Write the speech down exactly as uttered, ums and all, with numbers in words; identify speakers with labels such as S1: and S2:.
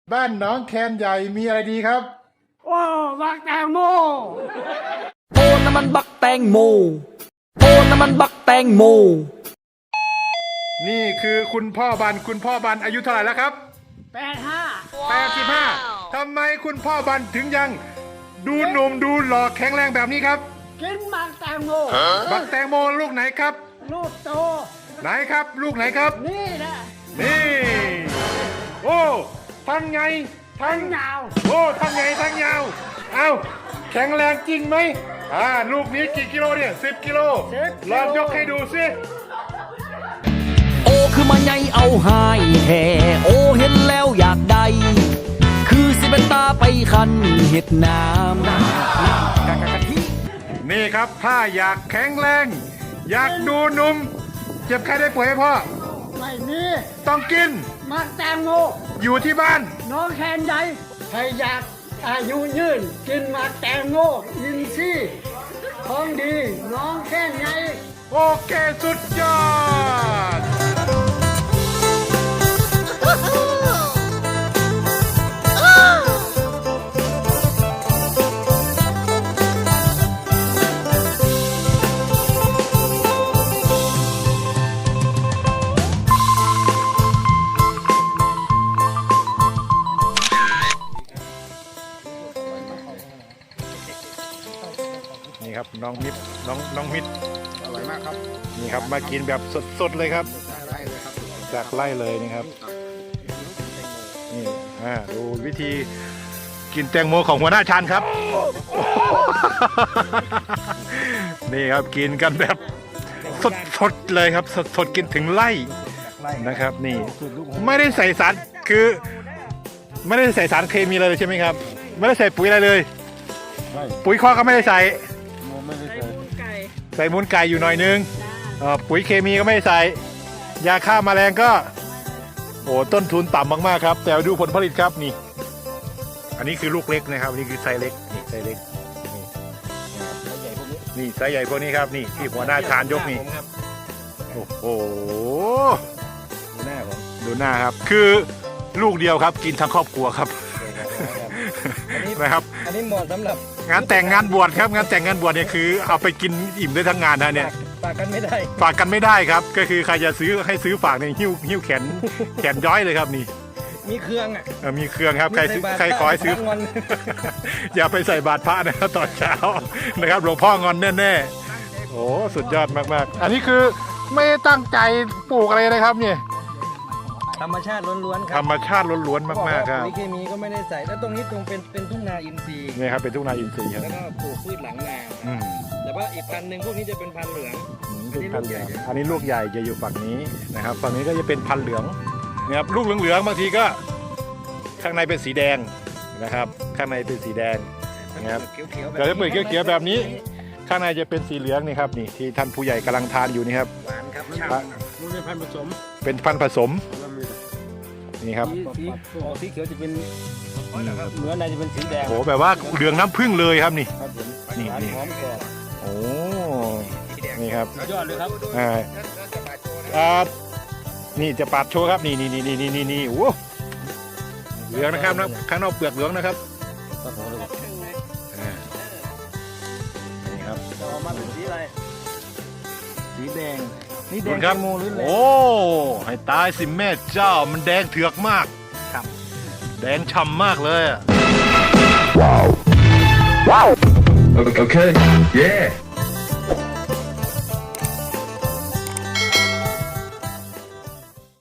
S1: บ้านน้องแคนใหญ่มีอะไรดีครับ
S2: โอ้บักแตงโม
S3: โอ้น้ำมันบักแตงโมโอ้น้ำมันบักแตงโม
S1: นี่คือคุณพ่อบันคุณพ่อบันอายุเท่าไหร่แล้วครับ
S2: แปดห้า
S1: แปดสิบห้าทำไมคุณพ่อบันถึงยังดูหนุ่มดูหล่อแข็งแรงแบบนี้ครับ
S2: กินบักแตงโม
S1: บักแตงโมลูกไหนครับ
S2: ลูกโต
S1: ไหนครับลูกไหนครับ
S2: นี่แหละ
S1: นี่โอ้ทั้งไงทั้ง
S2: ยาว
S1: โอ้ทั้งไงทั้งยาวเอาแข็งแรงจริงไหมอ่าลูกนี้กี่กิโลเนี่ยสิบกิโลลองยกให้ดูสิ
S3: โอ้คือมาใหญ่เอาหายแห่โอ้เห็นแล้วอยากได้คือสิเป็นตาไปคันเห็ดน้ำน้ำกะกะกะทิ
S1: นี่ครับถ้าอยากแข็งแรงอยากดูหนุ่มเจ็บใครได้ป่วยไหมพ่อ
S2: ไม่มี
S1: ต้องกิน
S2: บักแตงโม
S1: อยู่ที่บ้าน
S2: น้องแคนใหญ่ใครอยากอายุยืนกินบักแตงโมยินซี่ของดีน้องแคนใหญ่
S1: โอเคสุดยอดนี่ครับน้องมิตรน้องน้องมิตร
S4: อร่อยมากครับ
S1: นี่ครับมากินแบบสดๆเลยครับจากไร่เลยนี่ครับนี่อ่าดูวิธีกินแตงโมของหัวหน้าชันครับนี่ครับกินกันแบบสดๆเลยครับสดๆกินถึงไร่นะครับนี่ไม่ได้ใส่สารคือไม่ได้ใส่สารเคมีเลยใช่ไหมครับไม่ได้ใส่ปุ๋ยอะไรเลยปุ๋ยคอกก็ไม่ได้ใส่ใส่มูลไก่อยู่หน่อยนึงปุ๋ยเคมีก็ไม่ได้ใส่ยาฆ่าแมลงก็โอ้ต้นทุนต่ำมากๆครับแต่ดูผลผลิตครับนี่อันนี้คือลูกเล็กนะครับนี่คือไซส์เล็กนี่ไซส์เล็กนี่ไซส์ใหญ่พวกนี้ครับนี่ที่หัวหน้าชานยกนี่โอ้โห
S4: ดูหน้าผม
S1: ดูหน้าครับคือลูกเดียวครับกินทั้งครอบครัวครับนะครับ
S4: อันนี้เหมาะสำหรับ
S1: งานแต่งงานบวชครับงานแต่งงานบวชเนี่ยคือเอาไปกินอิ่มได้ทั้งงานนะเนี่ย
S4: ฝากกันไม่ได้
S1: ฝากกันไม่ได้ครับก็คือใครจะซื้อให้ซื้อฝากเนี่ยหิ้วหิ้วแขนแขนย้อยเลยครับนี่
S4: มีเครื่องอ่ะ
S1: มีเครื่องครับใครใครขอให้ซื้ออย่าไปใส่บาตรพระนะครับตอนเช้านะครับหลวงพ่องอนแน่ๆโอ้สุดยอดมากๆอันนี้คือไม่ตั้งใจปลูกอะไรนะครับเนี่ย
S4: ธรรมชาติล้วนๆครับ
S1: ธรรมชาติล้วนๆมากๆครับ
S4: ปุ๋ยเคมีก็ไม่ได้ใส่แล้วตรงนี้ตรงเป็นเป็นทุ่งนาอินทรีย์
S1: นี่ครับเป็นทุ่งนาอินทรีย์ครับ
S4: แล้วก็ปลูกพืชหลังนาแต่ว่าอีกพันหนึ่งพวกนี้จะเป็นพันเหลือง
S1: เป็นพันเหลืองอันนี้ลูกใหญ่จะอยู่ฝั่งนี้นะครับฝั่งนี้ก็จะเป็นพันเหลืองนะครับลูกเหลืองๆบางทีก็ข้างในเป็นสีแดงนะครับข้างในเป็นสีแดงนะครับก็จะเปิดเขียวๆแบบนี้ข้างในจะเป็นสีเหลืองนี่ครับนี่ที่ท่านผู้ใหญ่กำลังทานอยู่นี่ครับ
S4: หวานครับมันเป็นพันธุ์ผสม
S1: เป็นพันธุ์ผสมนี่ครับ
S4: สีสีเขียวจะเป็นเนื้อในจะเป็นสีแดง
S1: โอ้แบบว่าเหลืองน้ำผึ้งเลยครับนี่นี่นี่โอ้นี่ครับ
S4: ยอดเลยครับ
S1: อ่าอ่านี่จะปาดโชว์ครับนี่นี่นี่นี่นี่นี่โอ้เหลืองนะครับนะข้างนอกเปลือกเหลืองนะครับนี่ครับ
S4: มาเป็นสีอะไรสีแดง
S1: นี่แดงครับโอ้ให้ตายสิแม่เจ้ามันแดงเถือกมากครับแดงฉ่ำมากเลยว้าวว้าวโอเค yeah